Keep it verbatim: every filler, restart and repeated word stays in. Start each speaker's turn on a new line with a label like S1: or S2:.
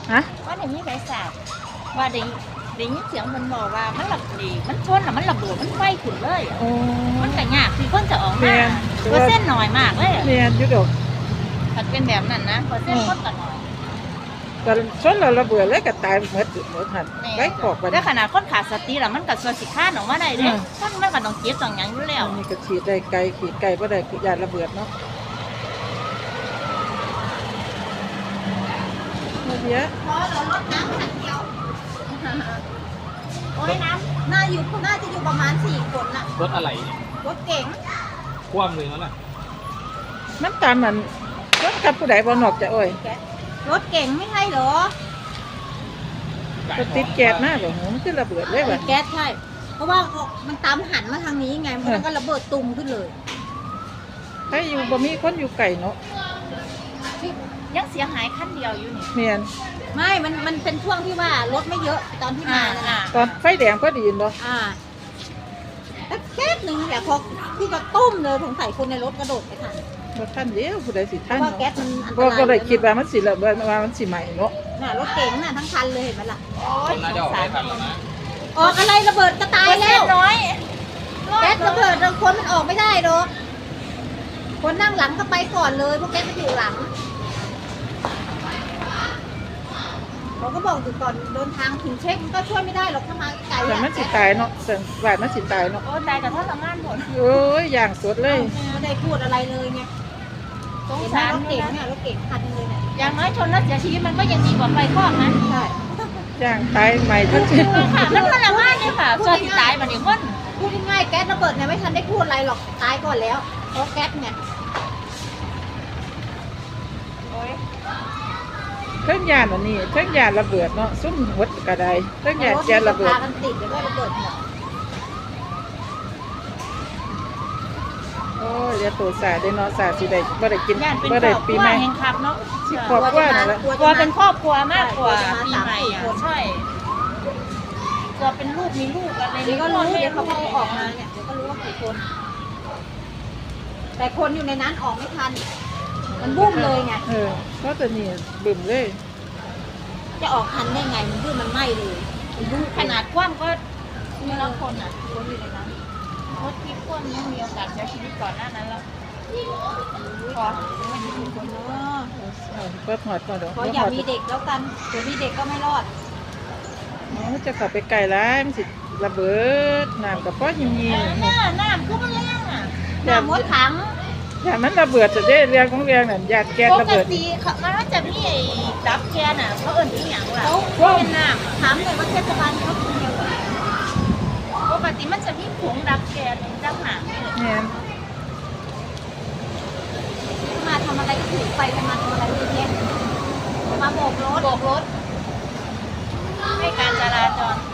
S1: ฮะ
S2: ว่าในนี้ไฟสาบว่าได้ได้ยินเสียงมันบอกว่ามันระดีมันชนอ่ะมันระเบิดมันไฟขึ้นเลย
S1: โอ้
S2: มันก็ยากที่คนจะออก
S1: แม่
S2: มาน เปอร์เซ็นต์น้อยมากเลย
S1: เรียนอยู่ดอก
S2: ถ้าเป็นแบบนั้นนะเปอร์เซ็นต์คนก็น้อย
S1: ก็ชนแล้วระเบิดเลยก็ตายหมดหมดหั่นไว้ขอกบัด
S2: แต่
S1: นี้
S2: ขนาดคนขาดสติแล้วมันก็สวสิค้านออกมาได้เด้
S1: อืม
S2: คนมันก็ต้องเจ็บต้องหยังอยู่แล้ว
S1: อันนี้ก็ฉีดได้ไกลขีดไกลบ่ได้คือยานระเบิดเนาะเดี๋ยว
S3: เพราะเราลดน้ำขันเดียว
S2: โอ้ยน้
S3: น่าอยู่น่าจะอยู่ประมาณสี่คนน่ะ
S4: รถอะไรเนี่ย
S3: รถเก๋ง
S4: คว่ำเลยนั่นแหละ
S1: มันตามมันรถกับผู้ใดบ่นอกจะโอ้ย
S3: รถเก๋งไม่ใช่เหรอ
S1: ก็ติดแก๊สหน้าบ่หูมันคือระเบิดเลยว่ะ
S3: แก๊สใช่ เพราะว่ามันตามหันมาทางนี้ไงมันก็ระเบิดตุ่มขึ้นเลย
S1: ถ้าอยู่บ่มีคนอยู่ไกลเนาะ
S2: ำยังเสียหายขั้นเดียวอยู่นี่
S1: แม่น
S3: ไม่ มันมันเป็นช่วงที่ว่ารถไม่เยอะตอนที่
S2: อ่า
S3: มานั่น
S2: อ่า
S3: น่ะ
S1: ตอนไฟแดงพอดีเนาะ
S3: อ่าแล้วแก๊สหนึ่งแหละพอพี่ก็ตุ้มเลยสงสัยคนในรถกระโดดไปทัน
S1: บ่ทันเดียวผู้ใดสิ
S3: เพ
S1: ทัน
S3: ราะว่า
S1: เนาะ
S3: แก๊สมันอันต
S1: ก็
S3: ราย
S1: ก็เลยคิดว่ามันสิระเบิดว่ามันสิไหม้เนาะ
S3: น่ะรถเก๋งน่ะทั้งคันเลยเห็นไหมล่ะ
S2: โอ้ย
S4: น่าจะออกได้ทันแล้วนะ
S3: ออกอะไรระเบิดจะตาย
S2: เปอร์
S3: แล้
S2: เซ็น
S3: ว
S2: ต์น้อย
S3: แก๊สระเบิดคนมันออกไม่ได้หรอกคนนั่งหลังก็ไปก่อนเลยเพราะแก๊สมันอยู่หลังเราก็บอกอยู่ก่อนเดินทางถึงเช็คมันก็ช่วยไม่ได้หรอกถ้ามาไกล
S1: แต่
S3: อะ
S1: มันสิตายเนาะแต่ว่ามันสิตายเนาะ
S2: โอ้ตายกับท่าทำงานหมด
S1: โอ้ยอย่างสดเลย
S3: ไม่ได้พูดอะไรเลยไง
S2: สง
S3: เห็นไหม
S2: สาร
S3: รถ
S2: เล
S3: เก๋
S2: ย
S3: ง
S2: นะ
S3: เนี่ยรถเก๋งคันนึงเลยเนี่ย
S2: อย่างน้อยชนแล้วเสียชีวิตมันก็ยังดีกว่าไฟคลอกนะ
S3: ใช่
S1: ย่างตายใหม่ทั้งชี
S2: เออค่ะมันทรมานเลยค่ะเชื่อที่ตายมาเนี่ยคน
S3: พูดง่ายๆแก๊สระเบิดเนี่ยไม่ทันได้พูดอะไรหรอกตายก่อนแล้วเพราะแก๊สเนี่ย
S2: โอ้ย
S1: เครื่องยานอันนี้เครื่องยานระเบิดเนาะซุ่มหดกระไดเครื่องยานแก๊สระเบิด
S3: พากันติดเดี๋ยวก็ระเบิดหมด
S1: โอ้ยเดี๋ยวตัวสาได้เนาะสาสิได้บ่ได้กิน
S2: ญาติเป็น
S1: บ่
S2: คร
S1: ได้
S2: อบค
S1: ปี
S2: รัว
S1: ใหม่
S2: แห่งครับเนาะ
S1: สิครอบครัวนั่นแหละ
S2: กลัวเป็นครอบครัวมากกว่าปีใหม่อ่ะใช่กลัวเป็นลูกมีลูกอะไร
S3: เดี๋ยวก็รู้
S2: ไม่
S3: เดี๋ยวเขาก็ออกมาเนี่ยเดี๋ยวก็รู้ว่ากี่คน แต่คนอยู่ในนั้นออกไม่ทัน มันบุ้มเลยไง
S1: เออเพราะตัวนี้บึ้มเลย
S3: จะออกทันได้ไงมันบุ้มมันไหม้เลยมันบุ้ม
S2: ขนาดกว้างก็มีละคนอ่ะ
S3: คนอยู่ในนั้น
S2: รถที่พ่นยังมีโอกาสเสียชีวิตก่อนหน้านั้นแล้วขอ
S3: คนเนาะ
S1: เอาเปิดหอดก่อนเดี๋ยว
S3: ขออย่ามีเด็กแล้วกันเดี๋ยวมีเด็กก็ไม่รอด
S1: อ๋อจะเข้าไปไกลร้ายมันสิระเบิดน้ำกับป้อหิมยี
S2: หน้าหน้าคือมันแรงอ่ะ
S3: หน้ามดถัง
S1: อย่ามันระเบิดจะได้เรียงของเรียงนั่นยานแก๊ส
S2: ป
S1: ระ
S2: ก
S1: เบิด
S2: ติเขามันก็จะมีไอ้ดับแก๊สอ่ะเขาเอิ่นที่อย่างล่ะ
S3: เขา
S2: เขาเป็นน้ำอะ
S3: ถามเลยว่าเทศบาลเขาคนเดียวกัน
S2: ปกติมันจะมีผงดับแก๊สดับหาง
S1: เนี่ย
S3: มาทำอะไรก็ถือไปกันมาทำอะไรเยอะแยะมาโบกรถ
S2: โบกรถให้การจราจร